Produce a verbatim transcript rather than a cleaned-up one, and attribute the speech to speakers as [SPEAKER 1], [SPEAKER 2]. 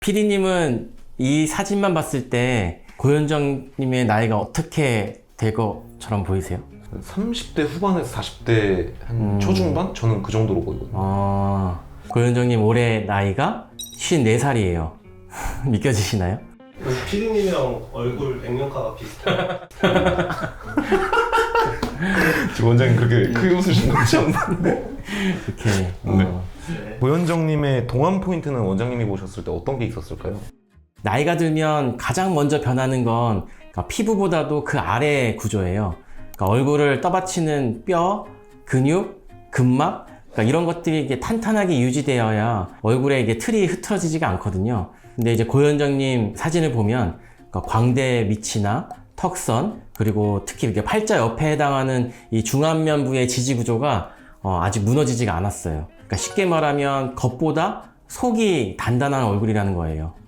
[SPEAKER 1] 피디님은 이 사진만 봤을 때 고현정님의 나이가 어떻게 될 것처럼 보이세요?
[SPEAKER 2] 삼십 대 후반에서 사십 대 한
[SPEAKER 1] 음.
[SPEAKER 2] 초중반? 저는 그 정도로 보이거든요.
[SPEAKER 1] 아, 고현정님 올해 나이가 쉰네 살이에요. 믿겨지시나요?
[SPEAKER 3] 피디님이랑 얼굴 액면가가 비슷해요.
[SPEAKER 2] 지금 원장님 그렇게 크게 웃으신 건지 안
[SPEAKER 1] 이렇게.
[SPEAKER 2] 네.
[SPEAKER 1] 어.
[SPEAKER 3] 네.
[SPEAKER 2] 고현정님의 동안 포인트는 원장님이 보셨을 때 어떤 게 있었을까요?
[SPEAKER 1] 나이가 들면 가장 먼저 변하는 건 그러니까 피부보다도 그 아래 구조예요. 그러니까 얼굴을 떠받치는 뼈, 근육, 근막 그러니까 이런 것들이 이게 탄탄하게 유지되어야 얼굴에 이게 틀이 흐트러지지가 않거든요. 근데 이제 고현정님 사진을 보면 그러니까 광대 밑이나 턱선 그리고 특히 이렇게 팔자 옆에 해당하는 이 중안면부의 지지 구조가 어, 아직 무너지지가 않았어요. 그러니까 쉽게 말하면 겉보다 속이 단단한 얼굴이라는 거예요.